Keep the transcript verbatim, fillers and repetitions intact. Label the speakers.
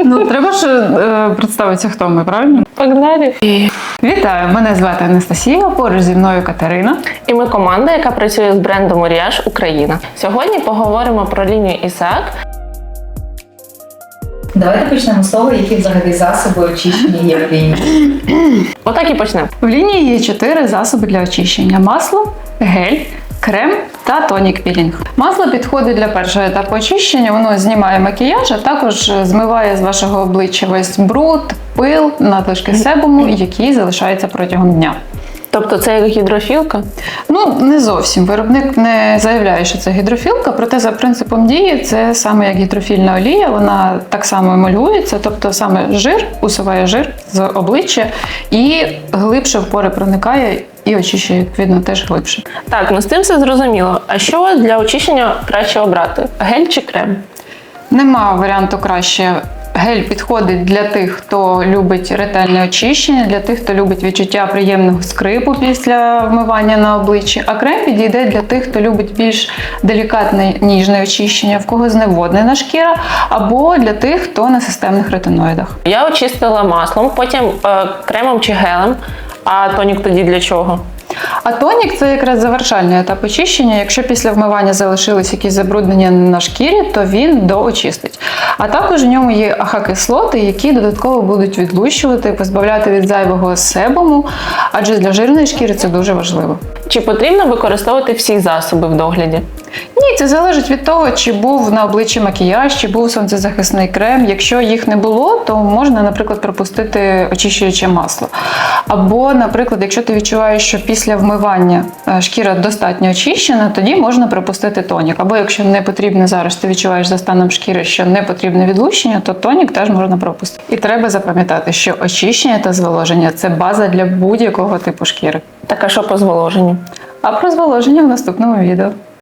Speaker 1: Ну, треба ж е, представитися, хто ми, правильно?
Speaker 2: Погнали!
Speaker 1: Вітаю, мене звати Анастасія, поруч зі мною Катерина.
Speaker 2: І ми команда, яка працює з брендом Маріаж Україна. Сьогодні поговоримо про лінію Ісаак.
Speaker 3: Давайте почнемо з того, які взагалі засоби очищення є в лінії.
Speaker 2: Отак і почнемо.
Speaker 1: В лінії є чотири засоби для очищення: масло, гель, крем та тонік-пілінг. Масло підходить для першого етапу очищення, воно знімає макіяж, а також змиває з вашого обличчя весь бруд, пил, надлишки себуму, які залишаються протягом дня.
Speaker 2: Тобто це як гідрофілка?
Speaker 1: Ну, не зовсім. Виробник не заявляє, що це гідрофілка, проте за принципом дії це саме як гідрофільна олія, вона так само емульгується, тобто саме жир, усуває жир з обличчя і глибше в пори проникає і очищує, відповідно, теж глибше.
Speaker 2: Так, ну з тим все зрозуміло. А що для очищення краще обрати? Гель чи крем?
Speaker 1: Нема варіанту краще. Гель підходить для тих, хто любить ретельне очищення, для тих, хто любить відчуття приємного скрипу після вмивання на обличчі. А крем підійде для тих, хто любить більш делікатне ніжне очищення, в кого зневоднена шкіра, або для тих, хто на системних ретиноїдах.
Speaker 2: Я очистила маслом, потім е, кремом чи гелем. А тонік тоді для чого?
Speaker 1: А тонік – це якраз завершальний етап очищення. Якщо після вмивання залишились якісь забруднення на шкірі, то він доочистить. А також в ньому є АХ-кислоти, які додатково будуть відлущувати, позбавляти від зайвого себуму, адже для жирної шкіри це дуже важливо.
Speaker 2: Чи потрібно використовувати всі засоби в догляді?
Speaker 1: Ні, це залежить від того, чи був на обличчі макіяж, чи був сонцезахисний крем. Якщо їх не було, то можна, наприклад, пропустити очищуюче масло. Або, наприклад, якщо ти відчуваєш, що після вмивання шкіра достатньо очищена, тоді можна пропустити тонік. Або якщо не потрібно зараз, ти відчуваєш за станом шкіри, що не потрібне відлущення, то тонік теж можна пропустити. І треба запам'ятати, що очищення та зволоження – це база для будь-якого типу шкіри.
Speaker 2: Так, а що по зволоженню?
Speaker 1: А про зволоження в наступному відео.